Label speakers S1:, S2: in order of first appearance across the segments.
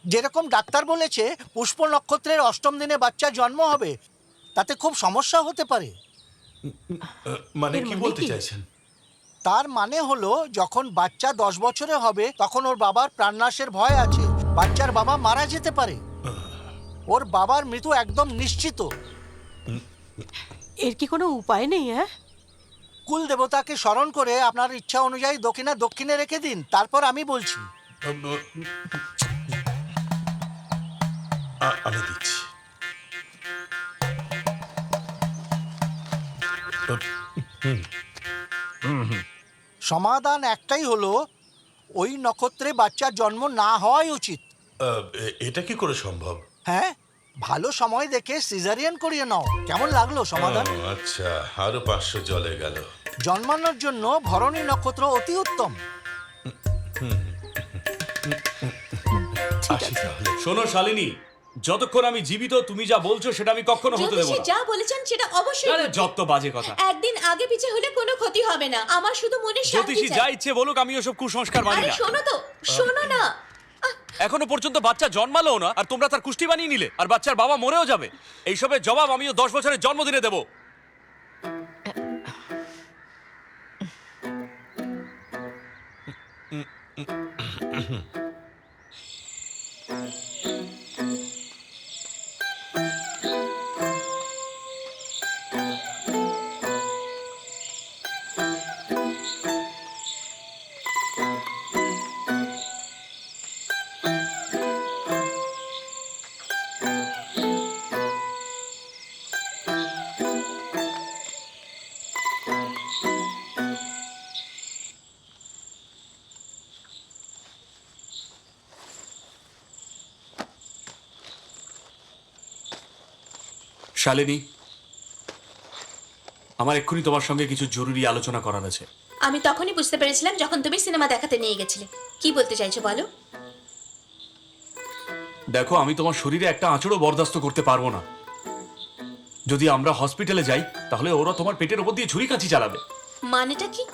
S1: যেরকম ডাক্তার বলেছে পুষ্প নক্ষত্রের অষ্টম দিনে বাচ্চা জন্ম হবে, তাতে খুব সমস্যা হতে পারে।
S2: মানে
S3: এর
S2: কি
S3: মানে
S2: বলতে
S3: কি?
S2: চাইছেন?
S1: তার মানে হলো যখন বাচ্চা 10 বছরে হবে তখন ওর বাবার প্রাণনাশের ভয় আছে, বাচ্চার বাবা মারা যেতে পারে। ওর বাবার মৃত্যু একদম নিশ্চিত।
S3: এর কি কোনো উপায় নেই? হ্যাঁ,
S1: কুল দেবতাকে স্মরণ করে আপনার ইচ্ছা অনুযায়ী দক্ষিণা দক্ষিণে রেখে দিন, তারপর আমি বলছি।
S2: আমি দিচ্ছি।
S1: সমাধান একটাই হলো, ওই নক্ষত্রে বাচ্চার জন্ম না হওয়াই উচিত।
S2: এটা কি করে সম্ভব?
S1: হ্যাঁ, ভালো সময় দেখে সিজারিয়ান করিয়ে নাও। কেমন লাগলো সমাধান?
S2: আচ্ছা, আরো 500 জলে গেল।
S1: জন্মানোর জন্য ভরণী নক্ষত্র অতি উত্তম।
S2: আসি তাহলে।
S4: শোনো শালিনী, যতক্ষণ আমি জীবিত তুমি যা বলছো সেটা আমি কখনো হতে দেবো
S5: জ্যোতিষী
S4: না।
S5: যা বলেছেন সেটা অবশ্যই
S4: আরে
S5: ঘটবে।
S4: যত বাজে কথা।
S5: একদিন আগে পিছে হলে কোনো ক্ষতি হবে না, আমার শুধু মনে শান্তি
S4: জ্যোতিষী যা
S5: চাই।
S4: ইচ্ছে বলুক, আমি ওসব কুসংস্কার মানি
S5: আরে
S4: না।
S5: শোনো তো, শোনো না।
S4: এখনো পর্যন্ত বাচ্চা জন্মালো না আর তোমরা তার কুষ্টি বানিয়ে নিলে, আর বাচ্চার বাবা মরেও যাবে। এইসবের জবাব আমিও 10 বছরের জন্মদিনে দেবো। শালিনী, আমার এক্ষুনি তোমার সঙ্গে কিছু জরুরি আলোচনা করার আছে।
S5: আমি তখনই বুঝতে পেরেছিলাম যখন তুমি সিনেমা দেখাতে নিয়ে গেছিলে। কি বলতে চাইছো বলো?
S4: দেখো, আমি তোমার শরীরে একটা আঁচড়ও বরদাস্ত করতে পারবো না। যদি আমরা হসপিটালে যাই তাহলে ওরা তোমার পেটের ওপর দিয়ে ছুরি কাঁচি চালাবে।
S5: মানেটা কি?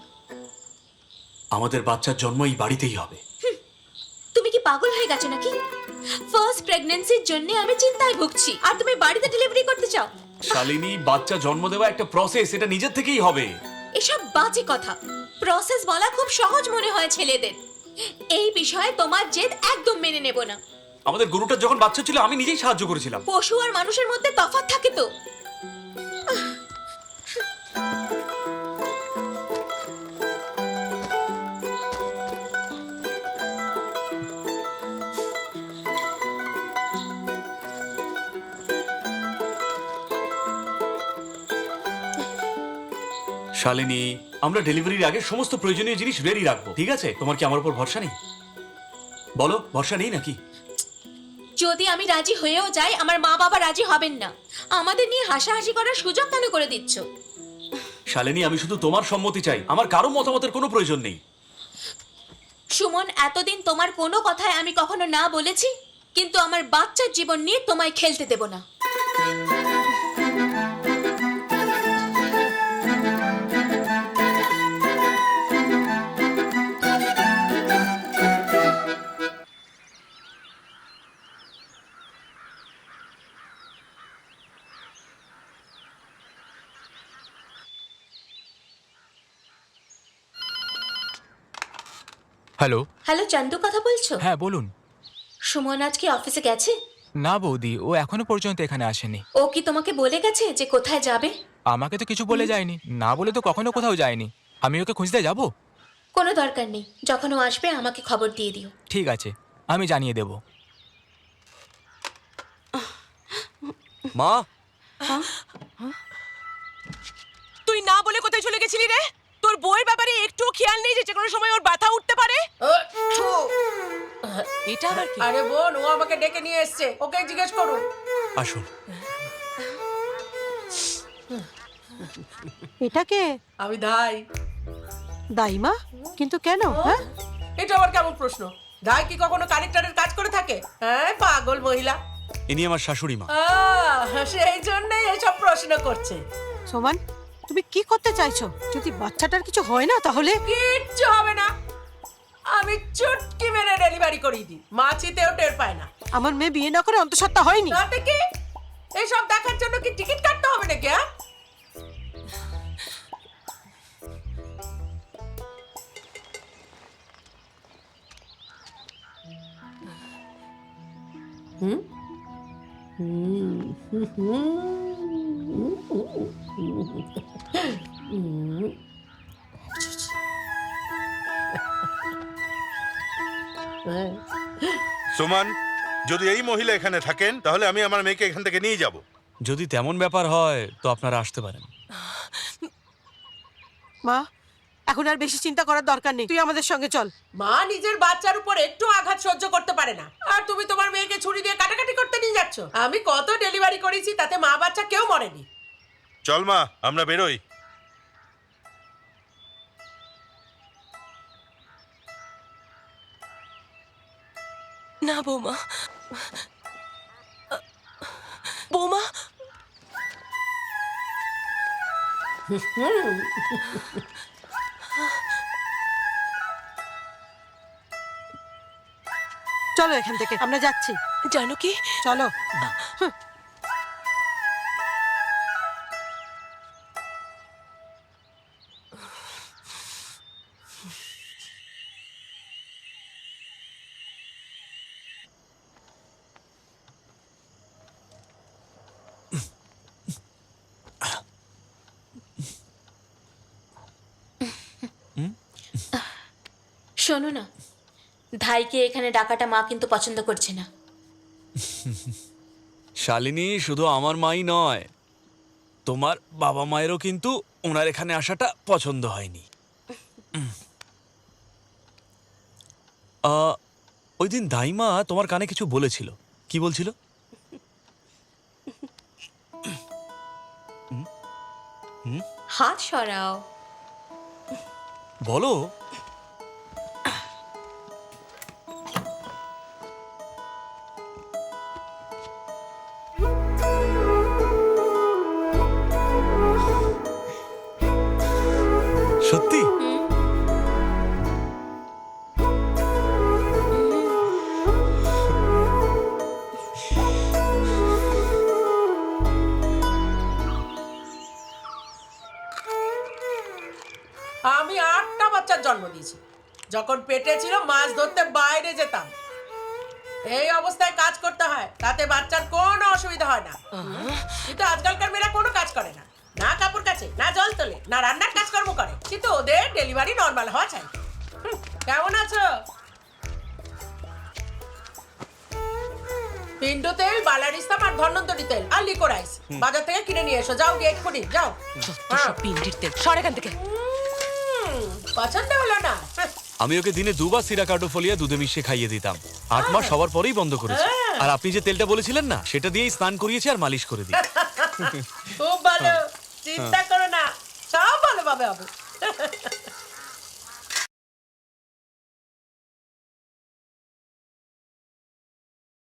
S4: আমাদের বাচ্চার জন্ম এই বাড়িতেই হবে।
S5: তুমি কি পাগল হয়ে গেছো নাকি? ফার্স্ট প্রেগন্যান্সির জন্য আমি চিন্তায় ভুগছি, আর তুমি বাড়িতে ডেলিভারি করতে চাও?
S4: শালিনী, বাচ্চা জন্ম দেওয়া একটা প্রসেস, এটা নিজের থেকেই হবে।
S5: এসব বাজে কথা। প্রসেস বলা খুব সহজ মনে হয় ছেলেদের। এই বিষয়ে তোমার জেদ একদম মেনে নেব না।
S4: আমাদের গরুটার যখন বাচ্চা ছিল আমি নিজেই সাহায্য করেছিলাম।
S5: পশু আর মানুষের মধ্যে তফাৎ থাকে তো।
S4: শালিনী, আমরা ডেলিভারির আগে সমস্ত প্রয়োজনীয় জিনিস রেডি রাখবো, ঠিক আছে? তোমার কি আমার উপর ভরসা নেই? বলো, ভরসা নেই নাকি?
S5: যদি আমি রাজি হয়েও যাই, আমার মা বাবা রাজি হবেন না। আমাদের নিয়ে হাসাহাসি করার সুযোগ কেন করে দিচ্ছ?
S4: শালিনী, আমি শুধু তোমার সম্মতি চাই, আমার কারো মতামতের কোনো প্রয়োজন নেই।
S5: সুমন, এতদিন তোমার কোনো কথায় আমি কখনো না বলেছি, কিন্তু আমার বাচ্চার জীবন নিয়ে তোমায় খেলতে দেব না।
S6: হ্যালো।
S5: হ্যালো, চান্দু কথা বলছো?
S6: হ্যাঁ বলুন।
S5: সুমন আজ কি অফিসে গেছে?
S6: না বৌদি, ও এখনো পর্যন্ত এখানে আসেনি।
S5: ও কি তোমাকে বলে গেছে যে কোথায় যাবে?
S6: আমাকে তো কিছু বলে যায়নি, না বলে তো কখনো কোথাও যায়নি। আমি ওকে খুঁজতে যাব?
S5: কোনো দরকার নেই, যখন ও আসবে আমাকে খবর দিয়ে দিও।
S6: ঠিক আছে, আমি জানিয়ে দেব।
S4: মা,
S3: তুই না বলে কোথায় চলে গেছিলি রে? তোর বউয়ের ব্যাপারে একটু খেয়াল নেই যে কোনো সময় ওর ব্যথা উঠতে পারে? এটা আবার কি?
S7: আরে বোন, ও আমাকে ডেকে নিয়ে এসেছে, ওকে জিজ্ঞেস করুন।
S4: আসুন।
S3: এটাকে
S7: আমি ধাই।
S3: দাইমা? কিন্তু কেন? হ্যাঁ,
S7: এটা আবার কেমন প্রশ্ন? ধাই কি কখনো কানেক্টরের কাজ করে থাকে? হ্যাঁ, পাগল মহিলা।
S4: ইনি আমার শাশুড়ি মা।
S7: সেই জন্যই এসব প্রশ্ন করছে।
S3: সোমান, তুমি কি করতে চাইছো? যদি বাচ্চাটার কিছু হয় না তাহলে?
S7: কিচ্ছু হবে না, আমি চুটকি মেরে ডেলিভারি করিয়ে দিই, মাছিতেও টের পায় না।
S8: আমার মেয়ে বিয়ে না করে অন্তঃসত্ত্বা হয়নি।
S7: তাতে কি, এসব দেখার জন্য কি টিকিট কাটতে হবে নাকি? হ্যাঁ,
S2: সুমন, যদি এই মহিলা এখানে থাকেন তাহলে আমি আমার মেয়েকে এখান থেকে নিয়ে যাব।
S4: যদি তেমন ব্যাপার হয় তো আপনারা আসতে পারেন।
S8: মা, এখন আর বেশি চিন্তা করার দরকার নেই, তুই আমাদের সঙ্গে চল।
S7: মা নিজের বাচ্চার উপর একটু আঘাত সহ্য করতে পারে না, আর তুমি তোমার মেয়েকে ছুরি দিয়ে কাটাকাটি করতে নিয়ে যাচ্ছ। আমি কত ডেলিভারি করেছি, তাতে মা বাচ্চা কেউ মরেনি।
S2: চল মা, আমরা বেরোই।
S3: না বৌমা, বৌমা,
S8: চলো এখান থেকে, আমরা যাচ্ছি।
S3: জানো কি,
S8: চলো।
S5: শোনো না, ধাইকে এখানে ডাকাটা মা কিন্তু পছন্দ করছে না।
S4: শালিনী, শুধু আমার মাই নয়, তোমার বাবা মায়েরও কিন্তু ওনার এখানে আসাটা পছন্দ হয়নি। ওই দিন দাইমা তোমার কানে কিছু বলেছিল, কি বলছিল?
S5: হাত সরাও।
S4: বলো। সত্যি?
S7: আমি 8টা বাচ্চার জন্ম দিয়েছি। যখন পেটে ছিল মাছ ধরতে বাইরে যেতাম। এই অবস্থায় কাজ করতে হয়, তাতে বাচ্চার কোনো অসুবিধা হয় না। কিন্তু আজকালকার মেয়েরা কোনো কাজ করে না, না কাপড় কাচে, না জল তোলে, না রান্নার কাজকর্ম করে, কিন্তু ওদের ডেলিভারি নর্মাল হওয়া চাই। কেমন আছো? পিন্ডো তেল, বালারিস্তাম আর ধন্বন্তরী তেল আর লিকোরাইস বাজার থেকে কিনে নিয়ে এসো। যাও গিয়ে এক্ষুনি যাও।
S3: সব পিন্ডির তেল, সর এখান থেকে।
S7: পছন্দ হলো না?
S4: আমি ওকে দিনে 2 বার সিরাকার্ডো ফলিয়া দুধে মিশিয়ে খাইয়ে দিতাম। 8 মাস সবার পরেই বন্ধ করেছি। আর আপনি যে তেলটা বলেছিলেন না, সেটা দিয়েই স্নান করিয়েছি আর মালিশ করে দিই।
S7: খুব ভালো, চিন্তা করো না, সব ভালোভাবে হবে।